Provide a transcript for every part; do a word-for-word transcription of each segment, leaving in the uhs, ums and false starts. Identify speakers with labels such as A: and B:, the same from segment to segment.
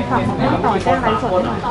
A: ฝากของเรื่องต่อแจ้งไลฟ์สดหน่อย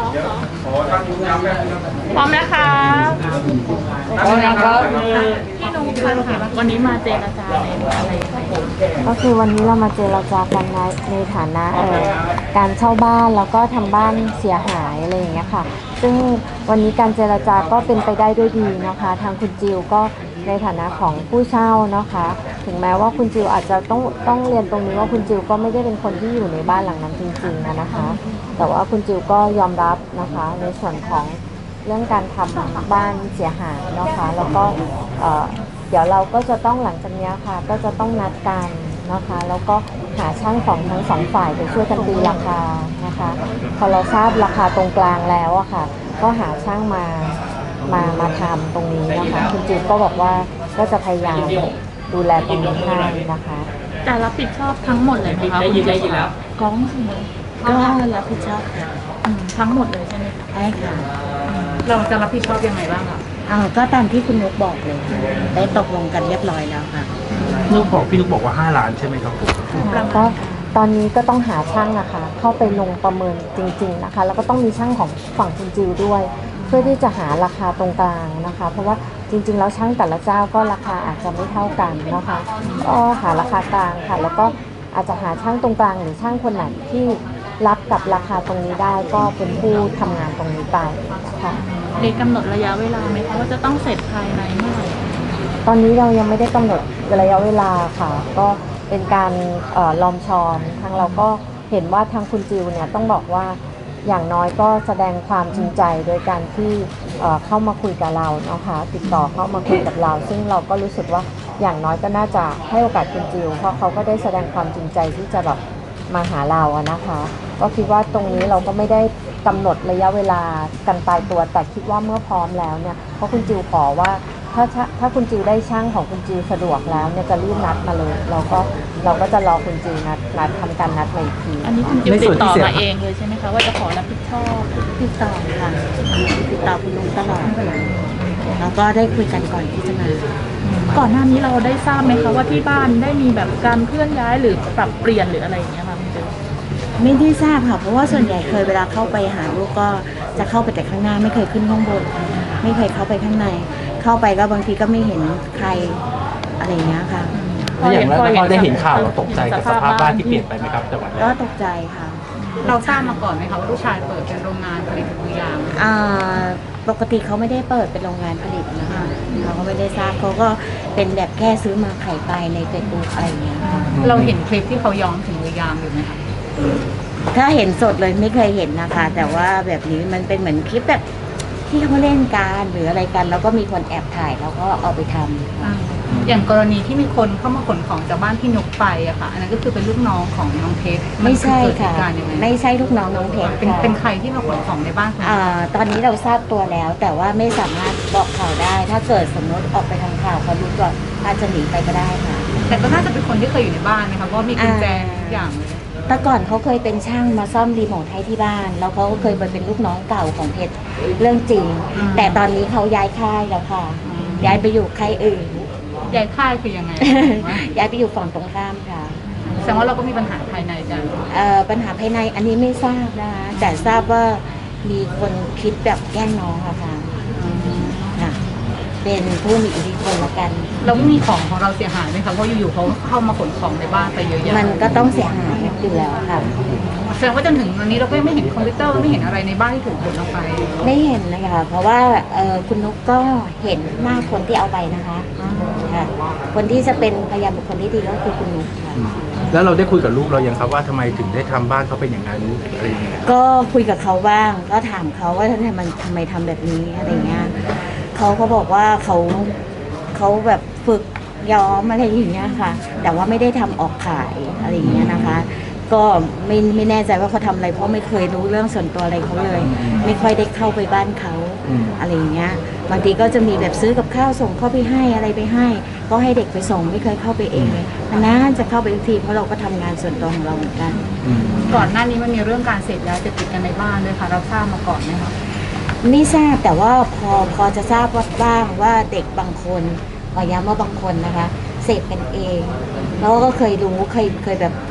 A: พร้อมนะคะพร้อมนะครับพี่นุ๊กค่ะวันนี้มาเจรจาในอะไรครับผม
B: ก็คือวันนี้เรามาเจรจากันในในฐานะเอ่อการเช่าบ้านแล้วก็ทำบ้านเสียหายอะไรอย่างเงี้ยค่ะซึ่งวันนี้การเจรจาก็เป็นไปได้ด้วยดีนะคะทางคุณจิวก็ในฐานะของผู้เช่านะคะถึงแม้ว่าคุณจิวอาจจะต้องต้องเรียนตรงนี้ว่าคุณจิวก็ไม่ได้เป็นคนที่อยู่ในบ้านหลังนั้นจริงๆนะคะแต่ว่าคุณจิวก็ยอมรับนะคะในส่วนของเรื่องการทำบ้านเสียหายนะคะแล้วก็เอ่อเดี๋ยวเราก็จะต้องหลังจากนี้ค่ะก็จะต้องนัดกันนะคะแล้วก็หาช่างของทั้งสองฝ่ายไปช่วยกันตีราคานะคะพอเราทราบราคาตรงกลางแล้วอะค่ะก็หาช่างมามามาทำตรงนี้นะคะคุณจิวก็บอกว่าก็จะพยายามดูแลตรงนี้ให้นะคะ
A: แต่รับผิดชอบทั้งหมดเลยไหมคะคุณจิวแล้วกล้อง
B: ก็รับผิดชอบค่ะ
A: ทั้งหมดเลยใช่ไหม
B: ใช่ค่ะ
A: เราจะรับผิดชอบยังไงบ้างคะ
B: อ่าก็ตามที่คุณนุ๊กบอกเลยได้ตกลงกันเรียบร้อยแล้วค่ะ
C: นุ๊กบอกพี่นุ๊กบอกว่าห้าล้านใช่ไหมครับผม
B: ก็ตอนนี้ก็ต้องหาช่างนะคะเข้าไปลงประเมินจริงๆนะคะแล้วก็ต้องมีช่างของฝั่งคุณจิวด้วยเพื่อที่จะหาราคาตรงกลางนะคะเพราะว่าจริงๆแล้วช่างแต่ละเจ้าก็ราคาอาจจะไม่เท่ากันนะคะก็หาราคากลางค่ะแล้วก็อาจจะหาช่างตรงกลางหรือช่างคนไหนที่รับกับราคาตรงนี้ได้ก็เป็นผู้ทำงานตรงนี้ไปนะคะ
A: มีกำหนดระยะเวลาไหมคะว่าจะต้องเสร็จภายในเมื่อไหร่
B: ตอนนี้เรายังไม่ได้กำหนดระยะเวลาค่ะก็เป็นการลอมชอมทางเราก็เห็นว่าทางคุณจิวเนี่ยต้องบอกว่าอย่างน้อยก็แสดงความจริงใจโดยการที่เข้ามาคุยกับเรานะคะติดต่อเข้ามาคุยกับเราซึ่งเราก็รู้สึกว่าอย่างน้อยก็น่าจะให้โอกาสคุณจิวเพราะเขาก็ได้แสดงความจริงใจที่จะแบบมาหาเราอะนะคะก็คิดว่าตรงนี้เราก็ไม่ได้กำหนดระยะเวลากันตายตัวแต่คิดว่าเมื่อพร้อมแล้วเนี่ยเพราะคุณจิวขอว่าถ้าถ้าคุณจิวได้ช่างของคุณจิวสะดวกแล้วเนี่ยจะรีบนัดมาเลยเราก็เราก็จะรอคุณจิวนัดนัดทำการนัดมาอีกที
A: อันนี้คุณจิวติดต่อมาเองเลยใช่ไหมคะว่าจะขอรับผิดชอบ
B: ติดต่อค่ะติดต่อคุณลุงตลอดแล้วก็ได้คุยกันก่อนที่จะมา
A: ก่อนหน้านี้เราได้ทราบไหมคะว่าที่บ้านได้มีแบบการเคลื่อนย้ายหรือปรับเปลี่ยนหรืออะไรอย่างเงี้ยค่ะคุณจิว
B: ไม่ได้ทราบค่ะเพราะว่าส่วนใหญ่เคยเวลาเข้าไปหาลูกก็จะเข้าไปแต่ข้างหน้าไม่เคยขึ้นข้างบนไม่เคยเข้าไปข้างในเข้าไปก็บางทีก็ไม่เห็นใครอะไรเงี้ยค่ะ
C: แล้วอย่างแล้วพอได้เห็นข่าวเราตกใจกับสภาพบ้านที่เปลี่ยนไปไหมครับแต่วัน
B: ก็ตกใจค่ะ
A: เราทราบมาก่อนไหมคะว่าลูกชายเปิดเป็นโรงงานผลิตถุงยาง
B: อ่าปกติเขาไม่ได้เปิดเป็นโรงงานผลิตนะคะเขาก็ไม่ได้ทราบเขาก็เป็นแบบแค่ซื้อมาขายไปในเฟซบุ๊กอะไรเงี้ยค่ะ
A: เราเห็นคลิปที่เขาย้อมถุงยางอยู่ไหมคะ
B: ถ้าเห็นสดเลยไม่เคยเห็นนะคะแต่ว่าแบบนี้มันเป็นเหมือนคลิปแบบที่เขาเล่นกันหรืออะไรกันแล้วก็มีคนแอบถ่ายแล้วก็เอาไปทำ
A: อย่างกรณีที่มีคนเข้ามาขนของจากบ้านที่นุกไปอะค่ะอันนั้นก็คือเป็นลูกน้องของน้องเพชร
B: ไม่ใช่ค่ะไม่ใช่ลูกน้องน้องเพชร
A: เป็นเป็นใครที่มาขนของในบ้าน
B: อ่าตอนนี้เราทราบตัวแล้วแต่ว่าไม่สามารถบอกข่าวได้ถ้าเกิดสมมติออกไปทางข่าวเขารู้ตัวอาจจะหนีไปก็ได้ค่ะ
A: แต่ก็น่าจะเป็นคนที่เคยอยู่ในบ้านนะคะเพราะมีกุญแจทุกอย่างเลย
B: แต่ก่อนเขาเคยเป็นช่างมาซ่อมรีโมทให้ที่บ้านแล้วเขาก็เคยไปเป็นลูกน้องเก่าของเพชรเรื่องจริงแต่ตอนนี้เขาย้ายค่ายแล้วค่ะย้ายไปอยู่ค่ายอื่น
A: ย้ายค่ายคือยังไง
B: ย้ายไปอยู่ฝั่งตรงข้ามค่ะ
A: แสดงว่าเราก็มีปัญหาภายในกัน
B: เอ่อปัญหาภายในอันนี้ไม่ทราบนะคะแต่ทราบว่ามีคนคิดแบบแกล้งน้องค่ะค่ะเป็นผู้มีอิทธิพลละกัน
A: แล้วมีของของเราเสียหายไหมคะเพราะอยู่ๆเขาเข้ามาขนของในบ้านไปเยอะแยะ
B: มันก็ต้องเสียหายอยู่แล้วค่ะ
A: แสดงว่าจนถึงวันนี้เราก็ไม่เห็นคอมพิวเตอร์ไม่เห็นอะไรในบ้านที่ถูกขนออกไป
B: ไม่เห็นเลยค่ะเพราะว่าคุณนุ๊กก็เห็นหน้าคนที่เอาไปนะคะค่ะคนที่จะเป็นพยานบุคคลที่ดีก็คือคุณนุ๊กค่ะ
C: แล้วเราได้คุยกับลูกเรายังครับว่าทำไมถึงได้ทำบ้านเขาเป็นอย่างนั้นอะไรอย่างเงี้ย
B: ก็คุยกับเขาบ้างก็ถามเขาว่าทำไมมันทำไมทำแบบนี้อะไรเงี้ยเขาเขาบอกว่าเขาเขาแบบฝึกย้อมอะไรอย่างเงี้ยค่ะแต่ว่าไม่ได้ทำออกขายอะไรอย่างเงี้ยนะคะก็ไม่ไม่แน่ใจว่าเขาทำอะไรเพราะไม่เคยรู้เรื่องส่วนตัวอะไรเขาเลยไม่ค่อยได้เข้าไปบ้านเขาอะไรอย่างเงี้ยบางทีก็จะมีแบบซื้อกับข้าวส่งเข้าไปให้อะไรไปให้ก็ให้เด็กไปส่งไม่เคยเข้าไปเองเลยน่าจะเข้าไปทุกทีเพราะเราก็ทำงานส่วนตัวของเราเหมือนกัน
A: ก่อนหน้านี้มันมีเรื่องการเสพยาเสพติดกันในบ้านด้วยค่ะเราทราบมาก่อนไหมคะ
B: ไม่ทราบแต่ว่าพอพอจะทราบว่าบ้างว่าเด็กบางคนขอย้ำว่าบางคนนะคะเสพกันเองแล้วก็เคยรู้เคยเคยแบบ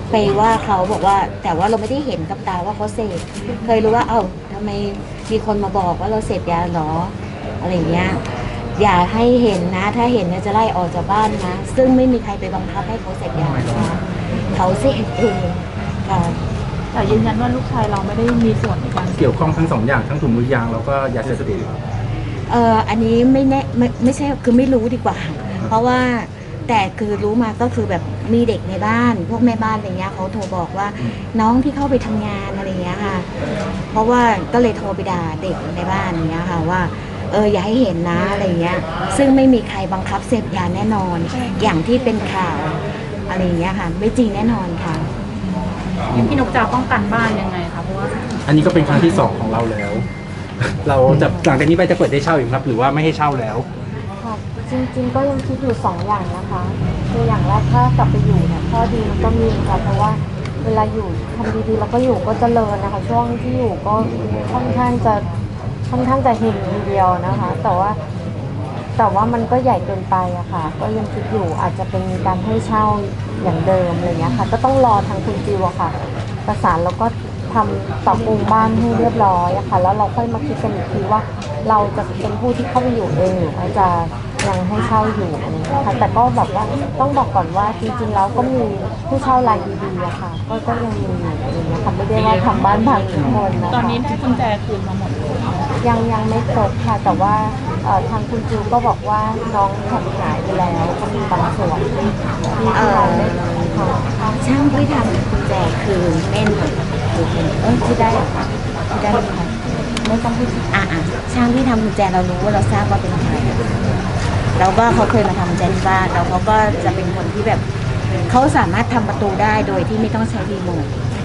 D: ไปว่าเขาบอกว่าแต่ว่าเราไม่ได้เห็นกับตาว่าเขาเสพเคยรู้ว่าเอ้าทำไมมีคนมาบอกว่าเราเสพยาหรออะไรอย่างเงี้ยอย่าให้เห็นนะถ้าเห็นเนี่ยจะไล่ออกจากบ้านนะซึ่งไม่มีใครไปบังคับให้เขาเสพยานะคะเขาเสพเองค่ะ
A: แต่ยืนยันว่าลูกชายเราไม่ได้มีส่วนในการ
C: เกี่ยวข้องทั้งสองอย่างทั้งถุงมือยางแล้วก็ยาเสพติด
D: เอออันนี้ไม่แน่ไม่ไม่ใช่คือไม่รู้ดีกว่า เพราะว่าแต่คือรู้มาก็คือแบบมีเด็กในบ้าน พวกแม่บ้านอะไรเงี้ยเขาโทรบอกว่าน้องที่เข้าไปทำงานอะไรเงี้ยค่ะ เพราะว่าก็เลยโทรไปด่าเด็กในบ้านอย่างเงี้ยค่ะว่าเอออย่าให้เห็นนะอะไรเงี้ยซึ่งไม่มีใครบังคับเสพยาแน่นอน อย่างที่เป็นข่าวอะไรเงี้ยค่ะไม่จริงแน่นอนค่ะ
A: พี่นกจะป้องกันบ้านยังไงคะเพราะว่า
C: อันนี้ก็เป็นครั้งที่สองของเราแล้ว เราจะหลังจากนี้ไปจะเปิดได้เช่าอีกครับ หรือว่าไม่ให้เช่าแล้ว
B: ค่ะจริงๆก็ยังคิดอยู่สองอย่างนะคะคืออย่างแรกถ้ากลับไปอยู่เนี่ยข้อดีมันก็มีค่ะเพราะว่าเวลาอยู่ทำดีๆแล้วก็อยู่ก็เจริญนะคะช่วงที่อยู่ก็ค่อนข้างจะค่อนข้างจะเฮงทีเดียวนะคะ แต่ว่าแต่ว่ามันก็ใหญ่เกินไปอะค่ะก็ยังคิดอยู่อาจจะเป็นการให้เช่าอย่างเดิมอะไรเงี้ยค่ะก็ต้องรอทางคุณจิวอะค่ะประสานแล้วก็ทำปรับปรุงบ้านให้เรียบร้อยอะค่ะแล้วเราค่อยมาคิดกันอีกทีว่าเราจะเป็นผู้ที่เข้าไปอยู่เองหรือว่าจะยังให้เช่าอยู่อะไรเงี้ยค่ะแต่ก็แบบว่าต้องบอกก่อนว่าจริงๆแล้วก็มีผู้เช่ารายดีๆอะค่ะก็ก็ยังมีอยู่อะไรเงี้ยค่ะไม่ได้ว่าทำบ้านพังทุกคนนะคะ
A: ตอนนี้ได้กุญแจคืนมาหมดเลย
B: ยังยังไม่ครบค่ะแต่ว่าเอ่อทางคุณจิวก็บอกว่าน้องแผ่นหายไปแล้วก็มีบางส่วนที่ที่เราได้ค่ะ
D: ช่างที่ทำกุญแจคือเม่นคือเป็นเออที่ได้ค่ะที่ได้ค่ะ
B: ไม่ต้องพูด
D: อ่ะอ่ะช่างที่ทำกุญแจเรารู้ว่าเราทราบว่าเป็นใครแล้วก็เขาเคยมาทำกุญแจที่บ้านแล้วเขาก็จะเป็นคนที่แบบเขาสามารถทำประตูได้โดยที่ไม่ต้องใช้รีโมท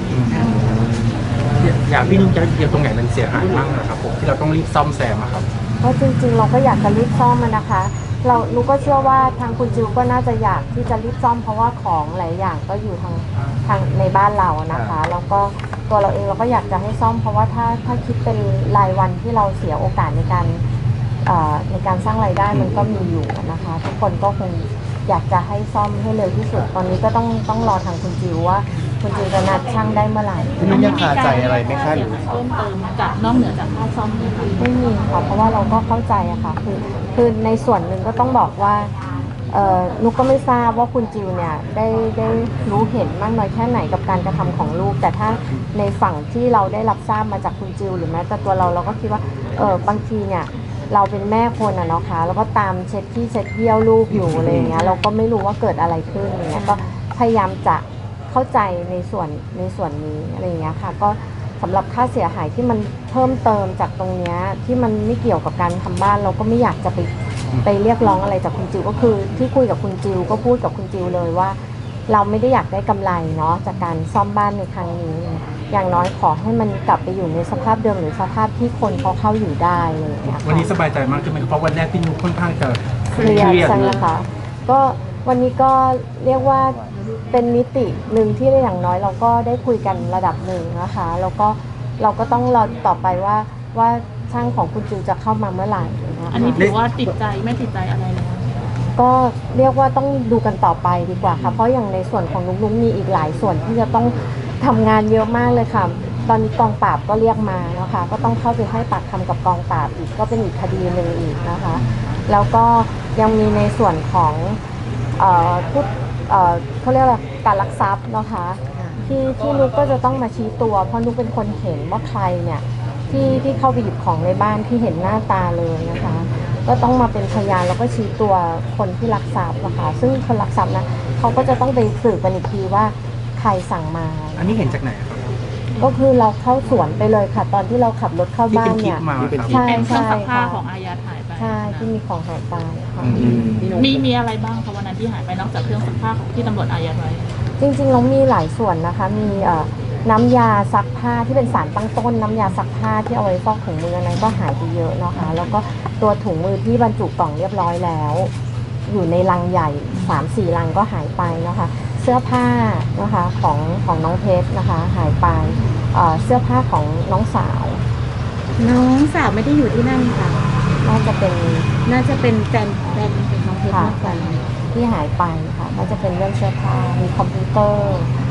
C: อยากพี่นุ๊กจะเกี่ยวตรงไหนมันเสียหายบ้างนะครับผมที่เราต้องรีบซ่อมแซมอะครับ
B: เพราะจริงๆเราก็อยากจะรีบซ่อมมันนะคะ เราลูกก็เชื่อว่าทางคุณจิวก็น่าจะอยากที่จะรีบซ่อมเพราะว่าของหลายอย่างก็อยู่ทางทางในบ้านเรานะคะแล้วก็ตัวเราเองเราก็อยากจะให้ซ่อม เพราะว่าถ้าถ้าคิดเป็นรายวันที่เราเสียโอกาสในการเอ่อในการสร้างรายได้มันก็มีอยู่นะคะ ทุกคนก็คงอยากจะให้ซ่อมให้เร็วที่สุดตอนนี้ก็ต้องต้องรอทางคุณจิวว่าคุณจิวจะนัดช่างได้เมื่อไหร่
E: พี่นุ้ยยังคาใจอะไรไหมคะหรือ
A: เพิ่มเติมจากนอกเหนือจากค่าซ่อมไหมคะ
B: ไม่มีค่ะเพราะว่าเราก็เข้าใจอะค่ะคือคือในส่วนหนึ่งก็ต้องบอกว่าเอ่อนุกก็ไม่ทราบว่าคุณจิวเนี่ยได้ได้รู้เห็นมากน้อยแค่ไหนกับการกระทำของลูก แต่ถ้าในฝั่งที่เราได้รับทราบมาจากคุณจิวหรือแม้แต่ตัวเราเราก็คิดว่าเออบางทีเนี่ยเราเป็นแม่คนอะเนาะค่ะแล้วก็ตามเช็ดที่เช็ดเยี่ยวลูกอยู่อะไรอย่างเงี้ยเราก็ไม่รู้ว่าเกิดอะไรขึ้นอย่างเงี้ยก็พยายามจะเข้าใจในส่วนในส่วนนี้อะไรอย่างเงี้ยค่ะก็ สำหรับค่าเสียหายที่มันเพิ่มเติมจากตรงเนี้ยที่มันไม่เกี่ยวกับการทำบ้านเราก็ไม่อยากจะไปไปเรียกร้องอะไรจากคุณจิวก็คือที่คุยกับคุณจิวก็พูดกับคุณจิวเลยว่า เราไม่ได้อยากได้กำไรเนาะจากการซ่อมบ้านในครั้งนี้ อย่างน้อยขอให้มันกลับไปอยู่ในสภาพเดิมหรือสภาพที่คนเขาเข้าอยู่ได้อะไรอย่างเลยค่ะ
C: วันนี้สบายใจมากขึ้นไหมครับเพราะวันแรกพี่นุ๊กค่อนข้างจะ
B: เครียดใช่ไหมคะก็วันนี้ก็เรียกว่าเป็นมิติหนึ่งที่อย่างน้อยเราก็ได้คุยกันระดับหนึ่งนะคะแล้วก็เราก็ต้องรอต่อไปว่าว่าช่างของคุณจิวจะเข้ามาเมื่อไหร่นะคะ
A: อันนี้ถือว่าติดใจไม่ติดใจอะไรแล้ว
B: ก็เรียกว่าต้องดูกันต่อไปดีกว่าค่ะเพราะอย่างในส่วนของนุ๊กๆมีอีกหลายส่วนที่จะต้องทำงานเยอะมากเลยค่ะตอนนี้กองปราบก็เรียกมานะคะก็ต้องเข้าไปให้ปากคำกับกองปราบอีกก็เป็นอีกคดีหนึ่งอีกนะคะแล้วก็ยังมีในส่วนของเอ่อผู้เอ่อเขาเรียกอะไรการลักทรัพย์นะคะที่ที่นุ๊กก็จะต้องมาชี้ตัวเพราะนุ๊กเป็นคนเห็นว่าใครเนี่ยที่ที่เข้าไปหยิบของในบ้านที่เห็นหน้าตาเลยนะคะก็ต้องมาเป็นพยานแล้วก็ชี้ตัวคนที่ลักทรัพย์นะคะซึ่งคนลักทรัพย์นะเขาก็จะต้องไปสืบกันอีกทีว่าใครสั่งมา
C: อันนี้เห็นจากไหนครับ
B: ก็คือเราเข้าสวนไปเลยค่ะ ตอนที่เราขับรถเข้า
C: ที่
B: บ้า
C: เป็น นคลิ
B: เนี่
C: ป
B: ย
C: มาครับ
B: ใช่
A: เป็นเครื่องซักผ้า
B: ค่ะ
A: ของอายัดหายไป
B: ใช่ที่มีของหายไปค่ะ
C: อืม
A: มีมีอะไรบ้างคะวันนั้นที่หายไปนอกจากเครื่องซักผ้าของที่ตำรวจอายัดไว้
B: จริงๆเรามีหลายส่วนนะคะ มีเอ่อน้ำยาซักผ้าที่เป็นสารตั้งต้น น้ำยาซักผ้าที่เอาไว้ฟอกถุงมือนั้นก็หายไปเยอะนะคะ แล้วก็ตัวถุงมือที่บรรจุกล่องเรียบร้อยแล้ว อยู่ในลังใหญ่ สามสี่ ลังก็หายไปนะคะ เสื้อผ้านะคะของของน้องเพชรนะคะหายไปเอ่อเสื้อผ้าของน้องสาว
D: น้องสาวไม่ได้อยู่ที่นั่นค่ะ
B: น่าจะเป็น
D: น่าจะเป็นแฟนแฟนเป็นน้องเพชร
B: ค่ะ
D: มากกว่า
B: ที่หายไปค่ะก็จะเป็นเรื่องเสื้อผ้ามีคอมพิวเตอร์ ม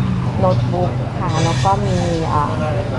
B: โน้ตบุ๊กค่ะแล้วก็มีอ่า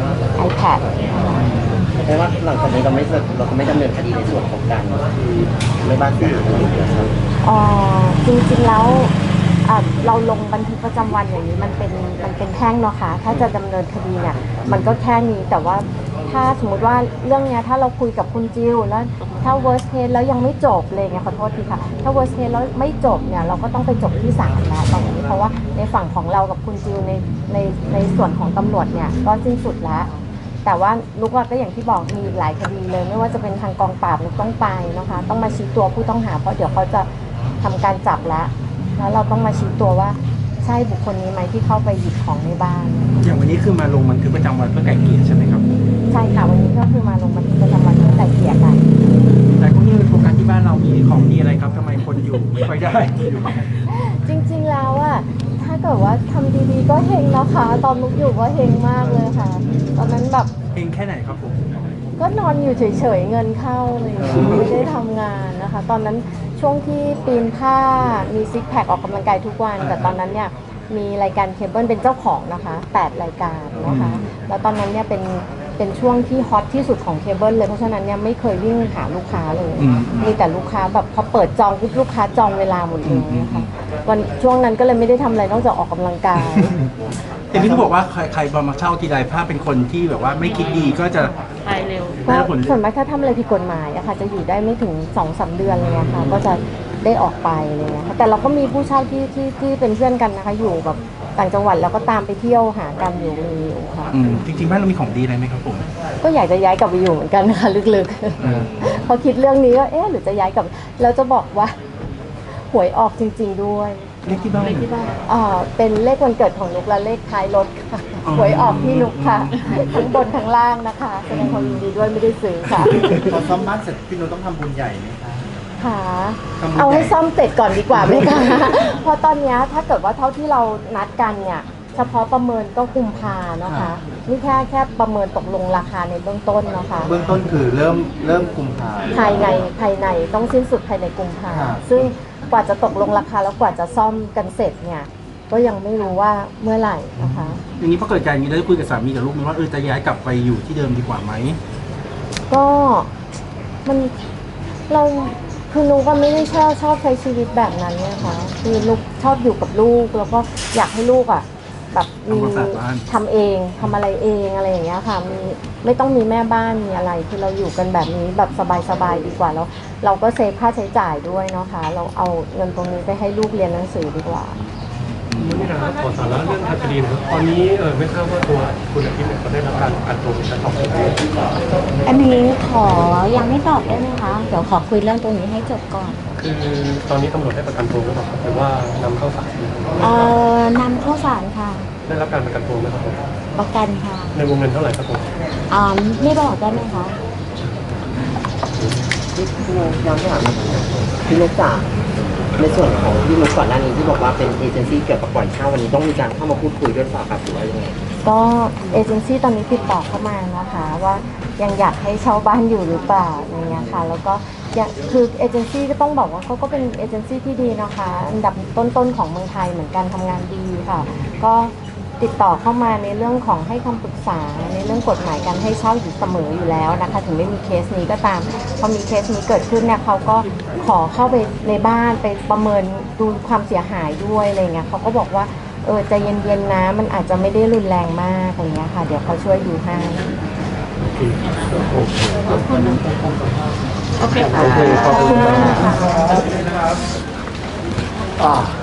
B: iPad นะคะ
F: แปลว่าหลังจากนี้เราไม่เราก็ไม่ดำเนินคดีในส่วนของการไม่บ้านเสียหายอะไรอย่างเงี้ยครับ
B: เอ่อจริงๆแล้วอ่ะเราลงบันทึกประจำวันอย่างนี้มันเป็นมันเป็นแพ่งเนาะค่ะถ้าจะดำเนินคดีเนี่ยมันก็แค่นี้แต่ว่าถ้าสมมุติว่าเรื่องเนี้ยถ้าเราคุยกับคุณจิวแล้วถ้า worst case แล้วยังไม่จบเลยเนี่ยขอโทษทีค่ะถ้า worst case แล้วไม่จบเนี่ยเราก็ต้องไปจบที่ศาลแล้วตอนนี้เพราะว่าในฝั่งของเรากับคุณจิวในในในส่วนของตำรวจเนี่ยก็สิ้นสุดแล้ว แต่ว่าลูกว่าก็อย่างที่บอกมีหลายคดีเลยไม่ว่าจะเป็นทางกองปราบลูกต้องไปนะคะต้องมาชี้ตัวผู้ต้องหาเพราะเดี๋ยวเขาจะทำการจับแล้วแล้วเราต้องมาชี้ตัวว่าใช่บุคคลนี้ไหมที่เข้าไปหยิบของในบ้าน
C: อย่างวันนี้คือมาลงบันทึกประจำวันเพื่อไกล่เกลี่ยใช่ไหมครับ
B: ใช่ค่ะวันนี้ก็คือมาลงบันทึกประจำวันเพื่อไกล่เกลี่ยกัน
C: แต่ก็ยังโฟกัสที่บ้านเรามีของดีอะไรครับทำไมคนอยู่ไม่ค่อยได้อยู่
B: จริงๆแล้วอะถ้าเกิดว่าทำดีๆก็เฮงนะคะ ตอนลูกอยู่ก็เฮงมากเลยค่ะ ตอนนั้นแบบ
C: เองแค่ไหนครับผม
B: ก็นอนอยู่เฉยๆเงินเข้าเลยไม่ได้ทำงานนะคะ ตอนนั้นช่วงที่ปีนผ้ามีซิกแพคออกกำลังกายทุกวัน แต่ตอนนั้นเนี่ยมีรายการเคเบิลเป็นเจ้าของนะคะแปดรายการนะคะแล้วตอนนั้นเนี่ยเป็นเป็นช่วงที่ฮอตที่สุดของเคเบิลเลยเพราะฉะนั้นเนี่ยไม่เคยวิ่งหาลูกค้าเลย
C: อืม
B: มีแต่ลูกค้าแบบพอเปิดจองปุ๊บลูกค้าจองเวลาหมดเลยนะคะวันช่วงนั้นก็เลยไม่ได้ทำอะไรนอกจากออกกำลังกาย
C: เห็นพี่เขาบอกว่าใครใครมาเช่าทีไรถ้าเป็นคนที่แบบว่าไม่คิดดีก็จะ
A: ไปเร็ว
B: ก็
C: ได้ผล
B: ส่วนมากถ้าทำอะไรผิดกฎหมายอะค่ะจะอยู่ได้ไม่ถึงสองสามเดือนเลยอะค่ะก็จะได้ออกไปอะไรเลยค่ะแต่เราก็มีผู้เช่าที่ที่ที่เป็นเพื่อนกันนะคะอยู่แบบต่างจังหวัดแล้วก็ตามไปเที่ยวหากันอยู่มีอยู่ค่ะ
C: อืมจริงๆบ้านเรามีของดีอะไรไหมครับผม
B: ก็อยากจะย้ายกลับไปอยู่เหมือนกันนะคะลึก
C: เออ
B: ๆ พอคิดเรื่องนี้ก็เอ๊ะหรือจะย้ายกลับแล้วจะบอกว่าหวยออกจริง ๆด้วย
C: เลขที่บ้าน
B: อ่าเป็นเลขวันเกิดของนุกและเลขท้ายรถค่ะ
C: อ๋อ
B: หวยออกที่นุกค่ะทั้งบนทั้งล่างนะคะแสดงความยินดีด้วยไม่ได้ซื้อค่ะ
E: พอซ่อมบ้านเสร็จพี่นุ้ต้องทำบุญใหญ่ไหมคะ
B: ค่ะ
E: ทำบุญ
B: เอาให้
E: ใหญ่
B: ซ่อมเสร็จก่อนดีกว่าไหมคะ เพราะตอนเนี้ยถ้าเกิดว่าเท่าที่เรานัดกันเนี่ยเฉพาะประเมินก็กุมภาเนาะคะนี่แค่แค่ประเมินตกลงราคาในเบื้องต้นเนาะคะ
E: เบื้องต้นคือเริ่มเริ่มกุมภา
B: ภายในภายในต้องสิ้นสุดภายในกุมภา
E: ครับ
B: ซึ่งกว่าจะตกลงราคาแล้วกว่าจะซ่อมกันเสร็จเนี่ยก็ยังไม่รู้ว่าเมื่อไหร่นะคะ
C: อย่างนี้พอเกิดการอย่างนี้ได้คุยกับสามีกับลูกไหมว่าเออจะย้ายกลับไปอยู่ที่เดิมดีกว่าไหม
B: ก็มันเราคือนุกก็ไม่ได้ชอบชอบใช้ชีวิตแบบนั้นเนี่ยค่ะคือนุกชอบอยู่กับลูกแล้วก็อยากให้ลูกอ่ะแบบมี
C: ทำความสะอาดบ้าน
B: ทำเองทำอะไรเองอะไรอย่างเงี้ยค่ะมีไม่ต้องมีแม่บ้านมีอะไรคือเราอยู่กันแบบนี้แบบสบายๆดีกว่าแล้วเราก็เซฟค่าใช้จ่ายด้วยเนาะค่ะเราเอาเงินตรงนี้ไปให้ลูกเรียนหนังสือดีกว่า
G: นี่นะครับขอสาระเรื่องทางคดีนะครับตอนนี้เออไม่ทราบว่าตัวคุณอาทิตย์เนี่ยเขาได้รับการประกันตัวเป็นการสอบสวน
D: อันนี้ขอยังไม่ตอบได้ไหมคะ เดี๋ยวขอคุยเรื่องตรงนี้ให้จบก่อน
G: คือตอนนี้ตำรวจได้ประกันตัวหรือเปล่าครับหรือว่านำเข้าศาล
D: เอ่อนำเข้าศาลค่ะ
G: ได้รับการประกันตัวไหมครับผม
D: ประกันค่ะ
G: ในวงเงินเท่าไหร่ครับผม
D: อ่าไม่บอกได้ไหมคะ
F: ที่พี่นุ๊กย้อนไปถามพี่นุ๊กจ๋าในส่วนของพี่นุ๊กก่อนหน้านี้ที่บอกว่าเป็นเอเจนซี่เกี่ยวกับปล่อยเช่าวันนี้ต้องมีการเข้ามาพูดคุยด้วยหรือเปล่าครับหรือว่ายังไง
B: ก็เอเจนซี่ตอนนี้ติดต่อเข้ามานะคะว่ายังอยากให้เช่าบ้านอยู่หรือเปล่าอย่างเงี้ยค่ะแล้วก็ยังคือเอเจนซี่ก็ต้องบอกว่าเขาก็เป็นเอเจนซี่ที่ดีนะคะอันดับต้นๆของเมืองไทยเหมือนกันทำงานดีค่ะ ก็ติดต่อเข้ามาในเรื่องของให้คำปรึกษาในเรื่องกฎหมายการให้เช่าอยู่เสมออยู่แล้วนะคะถึงไม่มีเคสนี้ก็ตามพอมีเคสนี้เกิดขึ้นเนี่ยเขาก็ขอเข้าไปในบ้านไปประเมินดูความเสียหายด้วยอะไรเงี้ยเขาก็บอกว่าเออใจเย็นๆนะมันอาจจะไม่ได้รุนแรงมากอะไรเงี้ยค่ะเดี๋ยวเขาช่วยดูให้
A: โอเคค่ะ
B: ขอบคุณมากค่ะ
F: อ่า